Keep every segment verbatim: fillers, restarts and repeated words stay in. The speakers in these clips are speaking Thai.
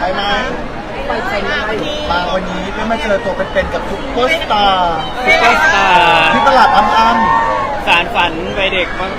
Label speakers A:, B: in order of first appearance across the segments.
A: ไหม
B: ไปใส่มาที่
A: มาวันนี้ได้มาเจอตัวเป็นๆกับซุปเปอร์สตาร์
C: ซุปเปอร์สตาร์
A: ที่ตลาดอ้ำๆ
C: สารฝันวัยเด็กมาก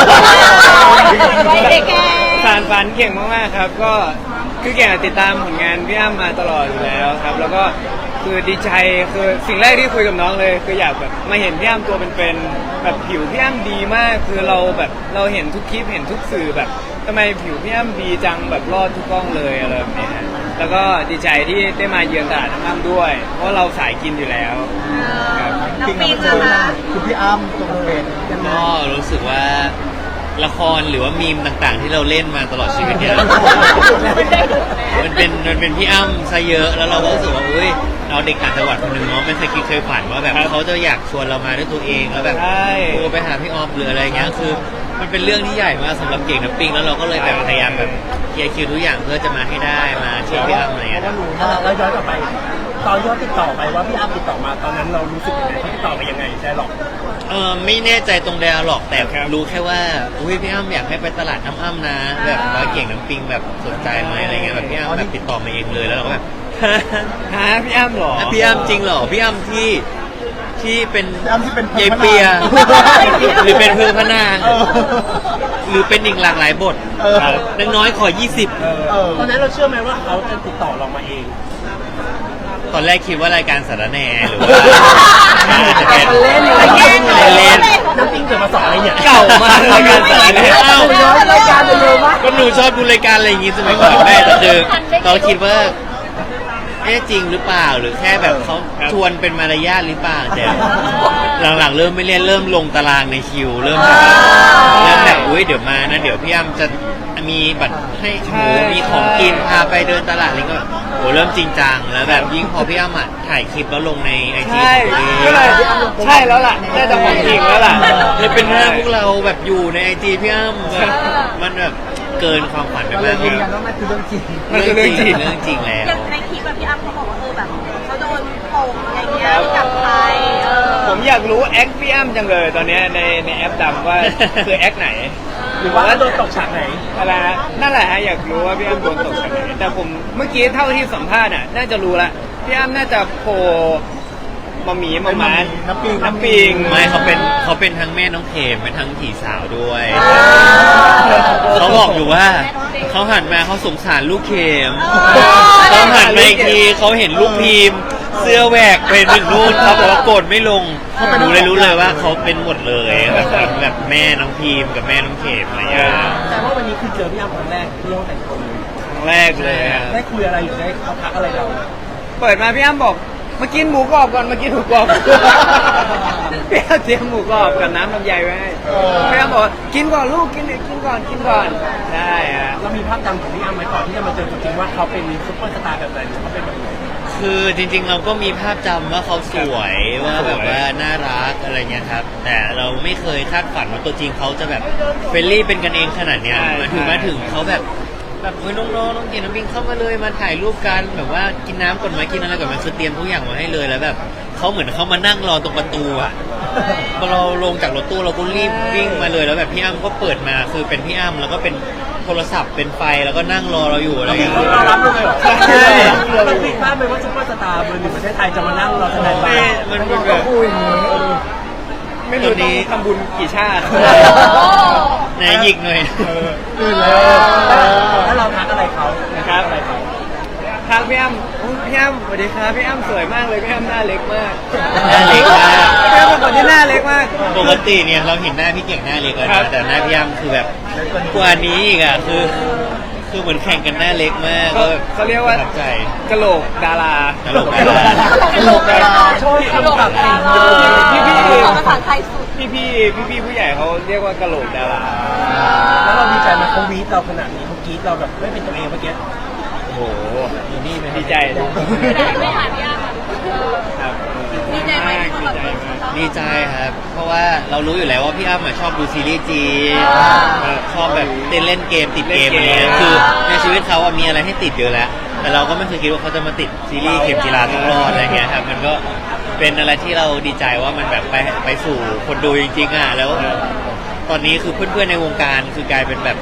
B: วัยเด็กแก
C: สารฝันเก่งมากๆครับ ก็คือเก่งติดตามผลงานพี่อ้ำมาตลอดอยู่แล้วครับ แล้วก็คือดีใจคือสิ่งแรกที่คุยกับน้องเลยคืออยากแบบมาเห็นพี่อ้ำตัวเป็นๆแบบผิวพี่อ้ำดีมากคือเราแบบเราเห็นทุกคลิปเห็นทุกสื่อแบบทำไมผิวพี่อ้ำดีจังแบบรอดทุกกล้องเลยอะไรแบบนี้ฮะแล้วก็ดีใจที่ได้มาเยือนตลาดน้ำอ้ำด้วย เพราะเราสายกินอยู่แล้วครับ
B: น้อง
A: จริง
B: ปี
A: ๆ
B: น
A: มัน
B: มา
A: คือคือพี่อ้ำตัวเป็นยังไง
D: ก็รู้สึกว่าละครหรือว่ามีมต่างๆ ที่เราเล่นมาตลอดชีวิตเนี่ย มันเป็นมันเป็นพี่อ้ำซะเยอะแล้วเราก็รู้สึกว่าอุ้ยเราเด็กต่างจังหวัดคนหนึ่งเนาะไม่เคยคิดเคยฝันว่าแบบเขาจะอยากชวนเรามาด้วยตัวเองแล้วแบบ
C: ใช่
D: โทรไปหาพี่ออฟหรืออะไรเงี้ยคือมันเป็นเรื่องที่ใหญ่มากสำหรับเก่งน้ำปิงแล้วเราก็เลยแบบพยายามแบบเคลียร์คิวทุกอย่างเพื่อจะมาให้ได้มาเชียร์พี่อ้ำอะไรเงี้ย
E: เราย้อนกลับไป ตอนยอดติดต่อไปว่าพี่อ้ำติดต่อมาตอนนั้นเรารู้สึกยังไงเขาติดต่อมายังไงใช่หรอก
D: เออไม่แน่ใจตรงเดียวหรอกแต่รู้แค่ว่าอุ้ยพี่อ้ำอยากให้ไปตลาดอ้ำๆนะ แบบว่าเก่งน้ำปิงแบบสนใจไหมอะไรเงี้ยแบบพี่อ้ำแบบติดต่อมาเองเลยแล้วเราก็แบบ
C: หาพี่อ้ำเหรอ
D: อ่ะพี่อ้ำจริงเหรอพี่อ้ำที่ที่เป็น
A: พี่อ้ำที่เป็น
D: เยายเปีย หรือเป็นเพื่อนพระนาง
A: เออ
D: หรือเป็นอีกหลากหลายบท
A: เออ
D: นักน้อยขอยี่สิบ
E: เออ
A: เออ
E: ตอนนั้นเราเชื่อไหมว่าเขาจะติดต่อเรามาเอง
D: ตอนแรกคิดว่ารายการสารแหน่หรือว่าจะเป็น
E: เล่นเลย
D: เล่นเล่น
E: น้ำปิ้งเกิดมาสอนอะไรเนี่ย
D: เก่ามากรายการสารแหน่อ้าว
E: ย้อนรายการไปเลยว่า
D: ก็หนูชอบดูรายการอะไรอย่างงี้สมัยก่อนแม่แต่คือเราคิดว่าเอ๊ะจริงหรือเปล่าหรือแค่แบบเขาชวนเป็นมารยาทหรือเปล่าแต่หลังๆเริ่มไม่เล่นเริ่มลงตารางในคิว เริ่มแบบเริ่มแบบอุ้ยเดี๋ยวมานะเดี๋ยวพี่อ้ำจะมีบัตรให้หมูมีของกินพาไปเดินตลาดอะไรก็แบบโหเริ่มจริงจังแล้วแบบยิ่งพอพี่อ้ำอ่ะถ่ายคลิปแล้วลงในไอจี
C: ใช่ก็เลยใช่แล้วล่ะน่าจะของจริงแล้วล่ะ
D: เลยเป็นหน้าพวกเราแบบอยู่ในไอจีพี่อ้ำแบบมันแบบเกินความฝันไป
A: เราเล
D: มาย ก
A: ยืนยันว่ามันคือเรื่องจริง
C: มันคือเรื่องจริง
D: เรื่องจริงแล้ว
B: อย่างในคลิปแบบพี่อ้ำเขาบอกว่าเออแบบเขาโดนโป่งอะไรเงี้ยกลับไปเออ
C: ผมอยากรู้แอคพี่อ้ำจังเลยตอนเนี้ยในในแอปดำว่าคือแอคไหน
E: หรือว่าโดนตกฉากไหน
C: อะไรฮะนั่นแหละฮะอยากรู้ว่าพี่อ้ำโดนตกจากไหนแต่ผมเมื่อกี้เท่าที่สัมภาษณ์อ่ะน่าจะรู้ละพี่อ้ำน่าจะโผล่มาหมีมาหมา
A: น้ำปิง
C: น้ำปิง
D: ไม่เขาเป็นเขาเป็นทั้งแม่น้องเขมเป็นทั้งผีสาวด้วยเขาบอกอยู่ว่าเขาหันมาเขาสงสารลูกเขมเขาหันมาอีกทีเขาเห็นลูกพีมเสื้อแหวกเป็นถึงนู่นเขาบอกว่าโกรธไม่ลงรู้เลยรู้เลยว่าเขาเป็นหมดเลยแบบแบบแม่น้องพีมกับแม่น้องเขมอะไรอย่างเงี้ย
E: แต่ว่าวันนี้คือเจอพี่อ้ำครั้งแรกที่ห้องแต่งตัว
C: ครั้งแรกเลยอะ
E: ได้คุยอะไรอยู่ได้เขาทักอะไรเรา
C: เปิดมาพี่อ้ำบอกมากินหมูกรอบก่อนมากินหมูกรอบ พี่อ้ำเตรียมหมูกรอบกับน้ำลำไยไว้ให้พี่อ้ำบอกว่ากินก่อนลูกกินเนี่ยกินก่อนกินก่อนได้ฮะ
E: เรามีภาพจำของพี่อ้ำไหมก่อนที่จะมาเจอจริงๆว่าเขาเป็นซุปเปอร์สตาร์แบบไหนหรือเขาเป็นแบบไหน
D: คือจริงๆเราก็มีภาพจำว่าเขาสวยว่าแบบว่าน่ารักอะไรเงี้ยครับแต่เราไม่เคยคาดฝันว่าตัวจริงเขาจะแบบเฟรนลี่เป็นกันเองขนาดเนี้ยมาถึงมาถึงเขาแบบแบบเฮ้ยน้องๆน้องกินน้ำปิงเข้ามาเลยมาถ่ายรูปกันแบบว่ากินน้ำก่อนไหมกินอะไรก่อนไหมคือเตรียมทุกอย่างมาให้เลยแล้วแบบเขาเหมือนเขามานั่งรอตรงประตูอ่ะพอเราลงจากรถตู้เราก็รีบวิ่งมาเลยแล้วแบบพี่อ้ำก็เปิดมาคือเป็นพี่อ้ำแล้วก็เป็นโทรศัพท์เป็นไฟแล้วก็นั่งรอเราอยู่อะไรอย่างเงี้ย
E: เรารับเลยเหรอ
D: ใช่
E: เราคิดภาพไหมว่าซุปเปอร์สตาร์เบอร์หนึ่งประเทศไทยจะมานั่งรอแสดงบา
D: ไม่
E: ร์
D: มันเป็นแบบ
C: ไม่รู้ต้องทำบุญกี่ชาติ
D: ไหนหยิกหน่อย
A: อื่นแล้ว
E: ถ้าเราทักอะไรเขา
C: ครับ
E: อะไรเขา
C: ทางพี่อ้ำอุ๊ยพี่อ้ำสวัสดีครับพี่อ้ำสวยมากเลยพี่อ้ำหน้าเล็กมาก
D: หน้าเล็กมาก
C: พี่อ้ำเป็นคนที่หน้าเล็กมาก
D: ปกติเนี่ยเราเห็นหน้าพี่เก่งหน้าเล็กเลย
C: ครั
D: นะ
C: บ
D: แต่หน้าพี่อ้ำคือแบบกว่านี้อีกอ่ะคือคือเหมือนแข่งกันหน้าเล็กมาก
C: เขาเขาเรียกว่า
D: ประทับใจ
C: กะโหลกดารา
D: กะโหลกดารา
A: ตลกดารา
E: โชว์คำศัพท์สิ่ง
C: พี่พี่
B: ภาษาไทยสุด
C: พี่พี่พี่พี่ผู้ใหญ่เขาเรียกว่ากะโหลกดารา
E: แล้วเราดีใจไหมเขาวีดเราขนาดนี้เขากรีดเราแบบไม่เป็นตัวเองเมื่อกี้
C: โอ้โห
E: อยู่นี่ไหม
C: ดีใจ
B: ไม่หาพี่อ้ำ
C: ครับ
B: ดีใจไหมที่เขาแบบ
D: ดีใจครับ เพราะว่าเรารู้อยู่แล้วว่าพี่อ้ำอะชอบดูซีรีส์จีนชอบแบบเต้นเล่นเกมติดเกมอะไรเงี้ยคือในชีวิตเขาอะมีอะไรให้ติดเยอะแล้วแต่เราก็ไม่เคยคิดว่าเขาจะมาติดซีรีส์เข็มจีราต้องรอดอะไรเงี้ยครับมันก็เป็นอะไรที่เราดีใจว่ามันแบบไปไปสู่คนดูจริงๆอ่ะแล้ว ตอนนี้คือเพื่อนๆในวงการคือกลายเป็นแบบ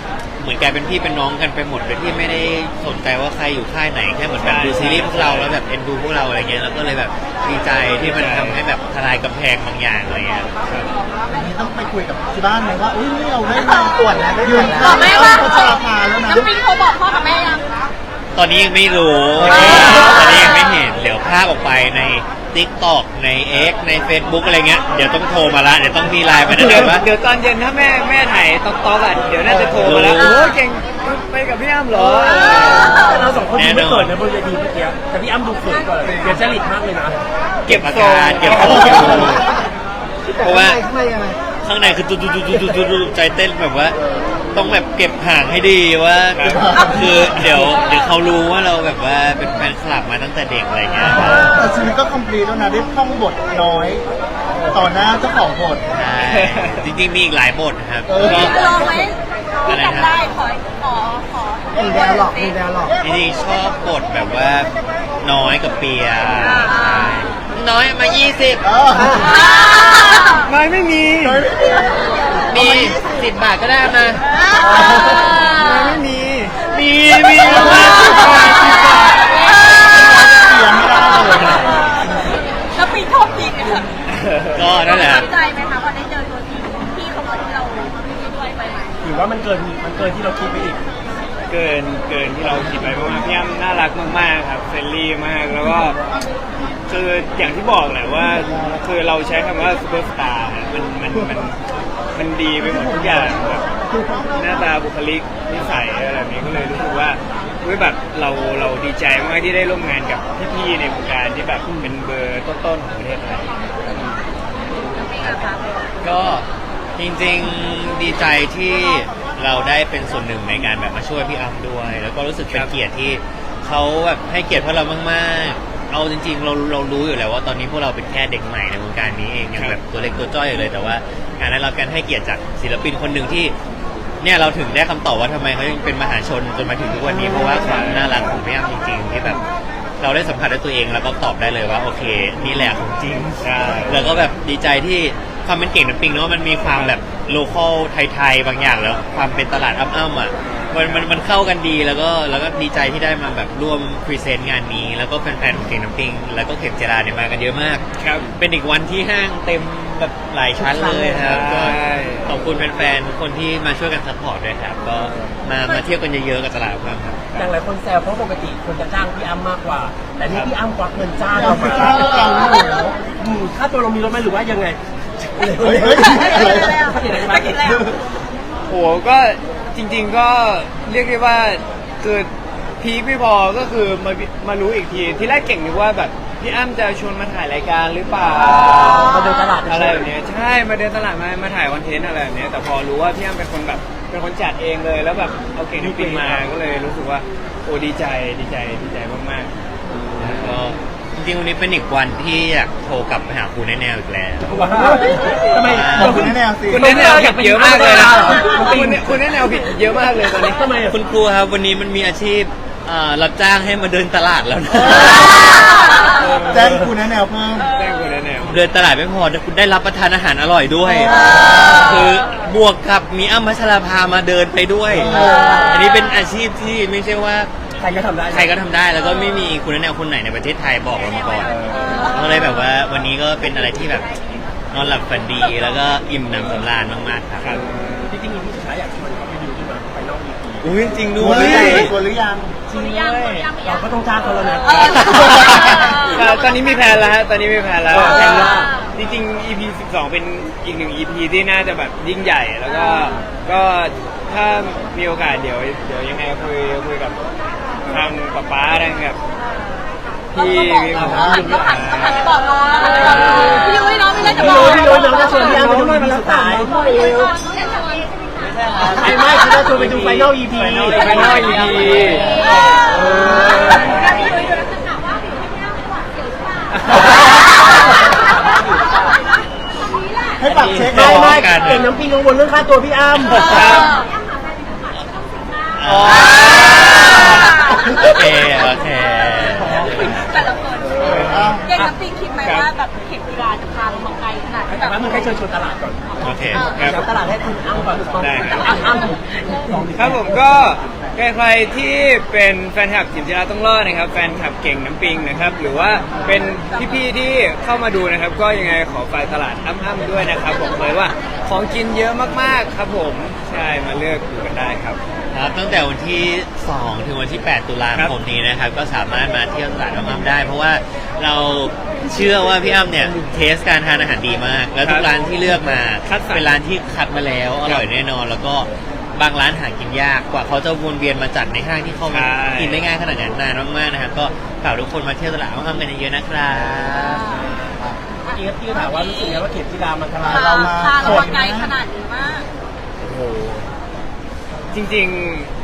D: เหมือนกลายเป็นพี่เป็นน้องกันไปหมดโดยที่ไม่ได้สนใจว่าใครอยู่ค่ายไหนแค่เหมือนแบบดูซีรีส์พวกเราแล้วแบบเอ็นดูพวกเราอะไรเงี้ยแล้วก็เลยแบบดีใจที่มันทำให้แบบทลายกำแพงบางอย่างอะไรเงี้ย
A: อันนี้ต้องไปคุยกับที่บ้านไหมว่าอุ้ยนี่เราได้มาตรวจแล้วยืน
B: บอกแม่ว่า
A: เขาจะราคาแล้วนะ
B: น้ำปิงโทรบอกพ่อกับแม่ยัง
D: ตอนนี้ยังไม่รู้
B: อ่า
D: ตอนนี้ยังไม่เห็นเดี๋ยวภาพออกไปใน TikTok ใน X ใน Facebook อะไรเงี้ยเดี๋ยวต้องโทรมาละเดี๋ยวต้องมีไลน์มาแนะ
C: เดี๋ยวน
D: ำว่า
C: เดี๋ยวตอนเย็นถ้าแม่แม่ถ่ายต๊อกต๊อกอ่ะเดี๋ยวน่าจะโทรมาแล้ว
D: เออ
C: โอ้ยเก่งไปกับพี่อ้ำเหรอ
E: แต่เราสองคนดูไม่เขินนะบนเวทีเมื่อกี้แต่พี่อ้ำดูเขินกว่าเลยเปลี่ยนจริตมากเลยนะ
D: เก็บอาการเก็บทรงเก็บทรงเพราะว่า
A: ข้างในยังไง
D: ข้างในคือตุ๊ดตุ๊ดตุ๊ดตุ๊ดตุ๊ดตุ๊ดใจเต้นแบบว่า ต้องแบบเก็บห่างให้ดีว่าคือเดี๋ยวเดี๋ยวเขารู้ว่าเราแบบว่าเป็นแฟนคลับมาตั้งแต่เด็กอะไรเงี้ย
A: แต่ชีวิตก็คอมพลีทแล้วนะได้ท่องบทน้อย ต่อหน้าเจ้าของบท
D: ใช่จริงๆมีอีกหลายบทนะครับ
A: เออ
D: ก็
B: ลองไหมที่จำได้ขอขอขอ
A: มีแดวหลอกมีแดวหลอก
D: จริงๆชอบบทแบบว่าน้อยกับเปียใช่น้อยมายี่สิบ
A: เออ
C: ไม่ไม่มี
A: น้อยไม่มี
D: มีสิบบาทก็ได้มา
C: ไม่ไม่มี
D: มีมีมาสิบบาทสิบบาท
A: เสียงไม่ได้เลย
B: แล้วปิงชอบจริงอะ
D: ก็นั่นแหละ
B: ตั้งใจไหมคะพอได้เจอตัวจริงพี่เขาบอกที่เราด้วยไปไหม
E: หรือว่ามันเกินมันเกินที่เราคิดไปอีก
C: เกินเกินที่เราคิดไปมากๆพี่อ้ำน่ารักมากๆครับเฟรนลี่มากแล้วก็คืออย่างที่บอกแหละว่าคือเราใช้คำว่าซูเปอร์สตาร์มันมันมันมันดีไปหมดทุกอย่างแบบหน้าตาบุคลิกนิสัยอะไรแบบนี้ก็เลยรู้สึกว่าเฮ้ยแบบเราเราดีใจมากที่ได้ร่วมงานกับพี่ๆในวงการที่แบบเป็นเบอร์ต้นๆของประเทศไทย
B: ปิงอะคะ
D: ก็จริงๆดีใจที่เราได้เป็นส่วนหนึ่งในการแบบมาช่วยพี่อ้ำด้วย แล้วก็รู้สึกเป็นเกียรติที่เขาแบบให้เกียรติพวกเรามากๆเอาจริงๆเราเรารู้อยู่แล้วว่าตอนนี้พวกเราเป็นแค่เด็กใหม่ในวงการนี้เองยังแบบตัวเล็กตัวจ้อยอยู่เลยแต่ว่าการได้รับการให้เกียรติจากศิลปินคนหนึ่งที่เนี่ยเราถึงได้คำตอบว่าทำไมเขายังเป็นมหาชนจนมาถึงทุกวันนี้เพราะว่าความน่ารักของพี่อ้ำจริงๆที่แบบเราได้สัมผัสด้วยตัวเองแล้วก็ตอบได้เลยว่าโอเคนี่แหละของจริง
C: ใช่
D: แล้วก็แบบดีใจที่ความเป็นเก่งน้ำปิงเนาะมันมีความแบบโลคอลไทยๆบางอย่างแล้วความเป็นตลาดอ้ำๆอ่ะมันมันมันเข้ากันดีแล้วก็แล้วก็ดีใจที่ได้มาแบบร่วมพรีเซนต์งานนี้ แล้วก็แฟนๆของเก่งน้ำปิงแล้วก็เข็มเจราเนี่ยมากันเยอะมาก
C: ครับ
D: เป็นอีกวันที่ห้างเต็มแบบหลายชั้นเลยครับก็
C: ใช่
D: ขอบคุณแฟนๆคนที่มาช่วยกันซัพพอร์ตด้วยครับก็มามาเที่ยวกันเยอะๆกับตลาดอ้ำครับ
E: อย่างหลายคนแซวเพราะปกติคนจะจ้างพี่อ้ำมากกว่า แต่นี่พี่อ้ำควักเงินจ้างเรามา
A: จ้างเราเหรอ
E: อืมค่าตัวเรามีลดไหมหรือว่ายังไง
A: เฮ้ยเฮ้ยอะไร
B: ไม่กินแล้ว
C: โหก็จริง ๆก็เรียกได้ว่าคือพีคไม่พอก็คือมามารู้อีกทีที่แรกเก่งนึกว่าแบบพี่อ้ำจะชวนมาถ่ายรายการหรือเปล่า
E: มาเดินตลาด
C: อะไรแบบเนี้ยใช่มาเดินตลาดมามาถ่ายคอนเทนต์อะไรแบบเนี้ยแต่พอรู้ว่าพี่อ้ำเป็นคนแบบเป็นคนจัดเองเลยแล้วแบบเอาเก่งที่ปิงมาก็เลยรู้สึกว่าโอ้ดีใจดีใจดีใจมากๆ
D: แล้วก็จริงๆวันนี้เป็นอีกวันที่อยากโทรกลับไปหาครูแนวๆอีกแล้ว
E: ว้าวทำไม
A: บอกคุณแน่ๆสิ
C: คุณแนะแนวผิดเยอะมากเลยนะคุณคุณแนะแนวผิดเยอะมากเลยตอนนี้
E: ทำไมอ่ะ
D: คุณครูครับวันนี้มันมีอาชีพอ่ารับจ้างให้มาเดินตลาดแล้วนะ
A: แจ้งคุณแน่ๆเพิ่ม
C: แจ้งคุณแนะแนว
D: เดินตลาดไม่พอคุณได้รับประทานอาหารอร่อยด้วย คือบวกกับมีอ้ำพัชราภามาเดินไปด้วย อันนี้เป็นอาชีพที่ไม่ใช่ว่า
E: ใครก็ทำได้
D: ใครก็ทำได้แล้วก็ไม่มีคุณแนวคนไหนในประเทศไทยบอกเรามาก่อนก็เลยแบบว่าวันนี้ก็เป็นอะไรที่แบบนอนหลับฝันดีแล้วก็อิ่มหนำสำราญมากๆครับ
E: จริงๆมีผู้สุดท้ายอยากชวนเขาไปดูที่มาไปนอกอีพี
D: อุ้ยจริง
A: ดู
D: ด้ว
A: หรือยัง
D: ย
A: ตัวหรือยัง
B: คนยังคนยัง
E: เราก็ต้องจ้างเขาแล้วนะ
C: เอ่อตอนนี้มีแพลนแล้วฮะ ตอนนี้มีแพลนแล้ว
E: เออแพลนว่า
C: จริงๆ อี พี สิบสองเป็นอีกหนึ่ง อี พี ที่น่าจะแบบยิ่งใหญ่ แล้วก็ ก็ถ้ามีโอกาสเดี๋ยว เดี๋ยวยังไงคุยคุยกับทางป๊าป๊าทางกับพี่มี
B: ต้
C: ผ
B: อง
C: ม
B: หันต้องหันต้องหันไปบอกน้องต้องหันไปบอกน้องพี่ยุ้ยน้องไม่ได้จะ
E: พี่
B: บอก
E: โน้ตพี่โน้ตน้องจะชวนพี่อ้ำไปดูอีพีสุดท้ายไม่ไม่คือจะชวนไปดูไฟนอลอีพี
C: ไฟนอลไฟนอล อี พี
B: พี่ยุ้ยดูแล้วจะถามว่าพี่ยุ้ยไม่หวานเสียวใช่ป่ะ
A: ให้ปรับเช็ค
E: ไม่ไม่
D: กัน
E: เก่งน้ำปิงกังวลเรื่องค่าตัวพี่อ้ำ
D: อ๋อโอเคโอเค
B: แต่ละคนเก่งน้ำปิงคิดไหมว่าแบบเข็มกีฬาจะพาเรามาไกลขนาดที่แบ
E: แต่
B: บ
E: ว่ามึงแค่เชิญชวนตลาดก่อน
D: โอเค
C: ครับ
E: แล้วตลาดให้คุณอ้ำก่อน
C: ได้ครับ
E: อ้ำอ้ำ
C: ครับผมก็ใครๆที่เป็นแฟนคลับจิมจิราต้องรอดนะครับแฟนคลับเก่งน้ำปิงนะครับหรือว่าเป็นพี่ๆที่เข้ามาดูนะครับก็ยังไงขอฝากตลาดอ้ำๆด้วยนะครับบอกเลยว่าของกินเยอะมากๆครับผมใช่มาเลือกดูกันได้ครับ
D: ครับตั้งแต่วันที่สองถึงวันที่แปดตุลาคมนี้นะครับก็สามารถมาเที่ยวตลาดอ้ำๆได้ เพราะว่าเราเชื่อว่าพี่อ้ำเนี่ยเทสการทานอาหารดีมาก แล้วทุกร้านที่เลือกมา
C: คัดสรร
D: เป็นร้านที่คัดมาแล้วอร่อยแน่นอน แล้วก็บางร้านหากินยากกว่าเขาจะวนเวียนมาจัดในห้างที่เขามากินได้ง่ายขนาดนั้นนานมากๆนะครับก็ฝากทุกคนมาเที่ยวตลาดอ้ำๆกันเยอะๆนะครับ
E: เมื่อกี้พี่ถามว่ารู้สึกไงว่าเข็มจีรามันทำ
B: พา
E: ให้เรามา
B: พาเรามาไกลขนาดนี้มาก
C: โอ้โหจริง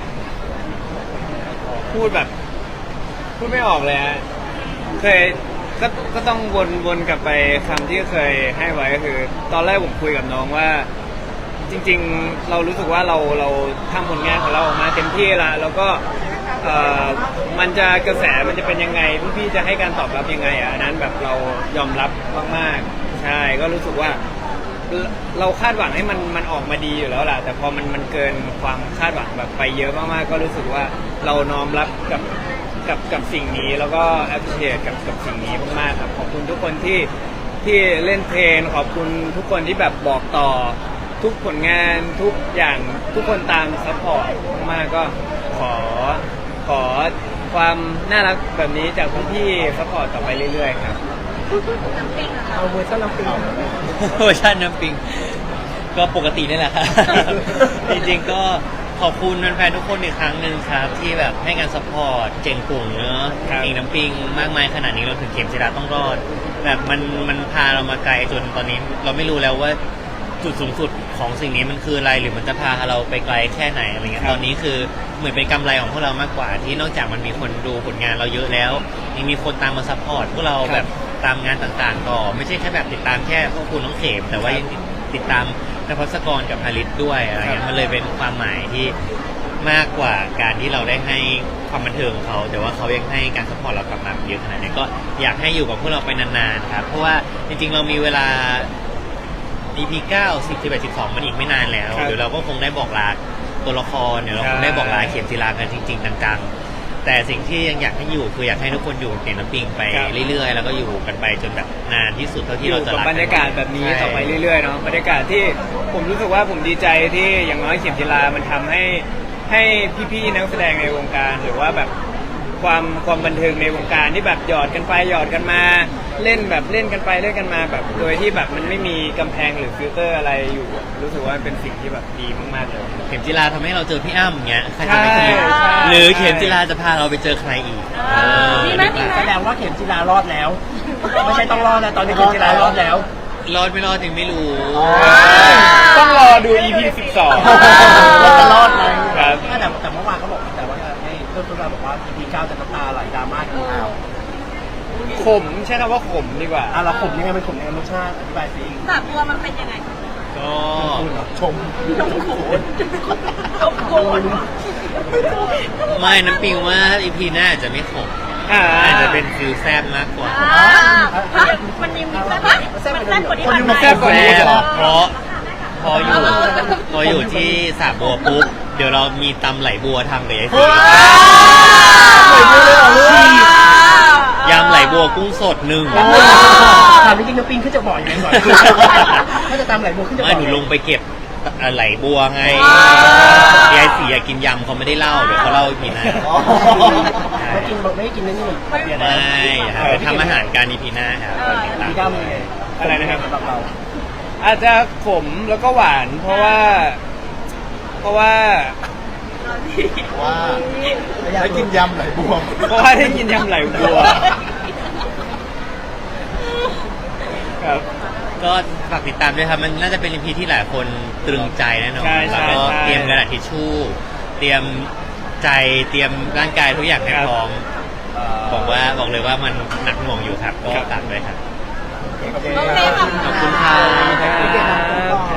C: ๆ พูดแบบพูดไม่ออกเลยฮะเคยก็ก็ต้องวนวนกลับไปคำที่เคยให้ไว้ก็คือ ตอนแรกผมคุยกับน้องว่า จริงๆเรารู้สึกว่าเราเราทำผลงานของเราออกมาเต็มที่แล้วแล้วก็เอ่อมันจะกระแสมันจะเป็นยังไงพี่ๆจะให้การตอบรับยังไงอ่ะอันนั้นแบบเรายอมรับมากๆใช่ก็รู้สึกว่า เราคาดหวังให้มันมันออกมาดีอยู่แล้วแหละแต่พอมันมันเกินความคาดหวังแบบไปเยอะมากๆก็รู้สึกว่าเราน้อมรับกับกับกับสิ่งนี้แล้วก็ appreciate กับกับสิ่งนี้มากๆครับขอบคุณทุกคนที่ที่เล่นเพลงขอบคุณทุกคนที่แบบบอกต่อทุกผลงานทุกอย่างทุกคนตามซัพพอร์ตมากๆก็ขอขอความน่ารักแบบนี้จากพี่ๆซัพพอร์ตต่อไปเรื่อยๆครับ
B: น้ำปิงอะค่ะ
E: เอาเวอร์ชันน้ำปิง
D: เวอร์ชันน้ำปิงก็ปกตินี่แหละครับ จริงๆก็ขอบคุณแฟนๆทุกคนอีกครั้งหนึ่งครับ ที่แบบให้การซัพพอร์ตเจงปุ่งเนอะ
C: ครับ
D: เองน้ำปิงมากมายขนาดนี้เราถึงเข็มจิราต้องรอด แบบมันมันพาเรามาไกลจนตอนนี้เราไม่รู้แล้วว่าจุดสูงสุดของสิ่งนี้มันคืออะไรหรือมันจะพาเราไปไกลแค่ไหนอะไรเงี้ยตอนนี้คือเหมือนเป็นกำไรของพวกเรามากกว่า ที่นอกจากมันมีคนดูผลงานเราเยอะแล้วยังมีคนตามมาซัพพอร์ตพวกเราแบบตามงานต่างๆต่อไม่ใช่แค่แบบติดตามแค่พวกคุณน้องเข็มแต่ว่ายังติดตามนภัสกรกับฮาริสด้วยอะไรเงี้ยมันเลยเป็นความหมายที่มากกว่าการที่เราได้ให้ความบันเทิงเขาแต่ว่าเขายังให้การซัพพอร์ตเรากลับมาเยอะขนาดนี้ก็อยากให้อยู่กับพวกเราไปนานๆครับเพราะว่าจริงๆเรามีเวลา อี พี เก้า สิบ สิบเอ็ด สิบสองมันอีกไม่นานแล้ว
C: ครับ
D: เดี๋ยวเราก็คงได้บอกลาตัวละครเดี๋ยวเราคงได้บอกลาเข็มจีรากันจริงๆจังๆแต่สิ่งที่ยังอยากให้อยู่คืออยากให้ทุกคนอยู่กับเข็มน้ำปิงไป
C: ครับ
D: เรื่อยๆแล้วก็อยู่กันไปจนแบบนานที่สุดเท่า
C: อ
D: ที่เรา
C: ยู่
D: จะ
C: กับ
D: รัก
C: บรรยากาศแบบนี้ต่อไปเรื่อยๆเนาะบรรยากาศที่ผมรู้สึกว่าผมดีใจที่อย่างน้อยเข็มจีรามันทำให้ให้พี่ๆนักแสดงในวงการหรือว่าแบบความความบันเทิงในวงการที่แบบหยอดกันไปหยอดกันมาเล่นแบบเล่นกันไปเล่นกันมาแบบโดยที่แบบมันไม่มีกำแพงหรือฟิลเตอร์อะไรอยู่ รู้สึกว่าเป็นสิ่งที่แบบดีมากๆเลย
D: เข็มจีราทำให้เราเจอพี่อ้ำอย่างเงี้ยใครจะไม่สนุก
C: ใช่
D: หรือเข็มจีราจะพาเราไปเจอใครอีก
B: เออมีไหมมีไหม
E: แสดงว่าเข็มจีรารอดแล้ว ไม่ใช่ต้องรอดนะตอนนี้เข็มจีรารอดแล้ว
D: รอดไม่รอดยังไม่รู้
C: ต้องรอดู อี พี สิบสอง
E: ว่าจะรอดไหม
C: ครับ
E: แต่แต่เมื่อวานเขาบอกแต่ว่าให้เพื่อนๆเราบอกว่า อี พี เก้าจะน้ำตาไหลดราม่ากินข้าว
C: ขมใช้คำว่าขมดีกว่า
E: อ่ะเราขมยังไงมันขมยังไงรสชาติอธิบายสิ
B: สามตัวมันเป็นยังไง
D: ก็
E: ชม
B: ชมโขนชมโขน
D: ไม่น้ำปิงว่า อี พี หน้าอาจจะไม่ขม
C: อ่า
D: อาจจะเป็นฟิลแซบมากกว่า
B: อ่าฮะมันยังมีแซ่บปะมันแซ่บกว่าที่ผ่านมา
C: แซ่บกว่านี้
D: แซ่บ
C: เหรอ
D: เพราะพออยู่พออยู่ที่สระบัวปุ๊บเดี๋ยวเรามีตำไหลบัวทำกับยายสียำไหลบัวกุ้งสดหนึ่ง
E: ถามจริงๆน้ำปิงขึ้นจะบ่อยยังไงก่อนถ้าจะตามไหลบัวขึ้นจะบ่
D: ไม่
E: อย
D: หนูลงไปเก็บไหลบัวไงยายสีอยากกินยำเขาไม่ได้เล่าเดี๋ยวเขาเล่าอีกทีหน้า
E: ไม่กินบอกไม่กินนั่นนี่เปลี่ยน
D: ไม่ครับไปทำอาหารการอีพีหน้าครับตอนติดตาม
E: พี่ก้าวเป็นไง
C: อะไรนะครับ
E: สำหรับเรา
C: อาจจะขมแล้วก็หวานเพราะว่า เพราะว่า
A: ว่าได้กินยำไหลบัว
C: เพราะว่าได้กินยำไหลบัวครับ
D: ก็ฝากติดตามด้วยครับมันน่าจะเป็นอีพีที่หลายคนตรึงใจแน่นอน
C: ใช่ใช่
D: แล้วก็
C: ใช่
D: เตรียมกระดาษทิชชู่เตรียมใจเตรียมร่างกายทุกอย่างให้
C: ครับ
D: พร้อมบอกว่าบอกเลยว่ามันหนักหน่วงอยู่ครับก็
C: ครับ
D: ฝากด้วยครับ
E: โอเค
B: โอเคขอบคุณ
D: ขอบคุณครับ
C: ครับ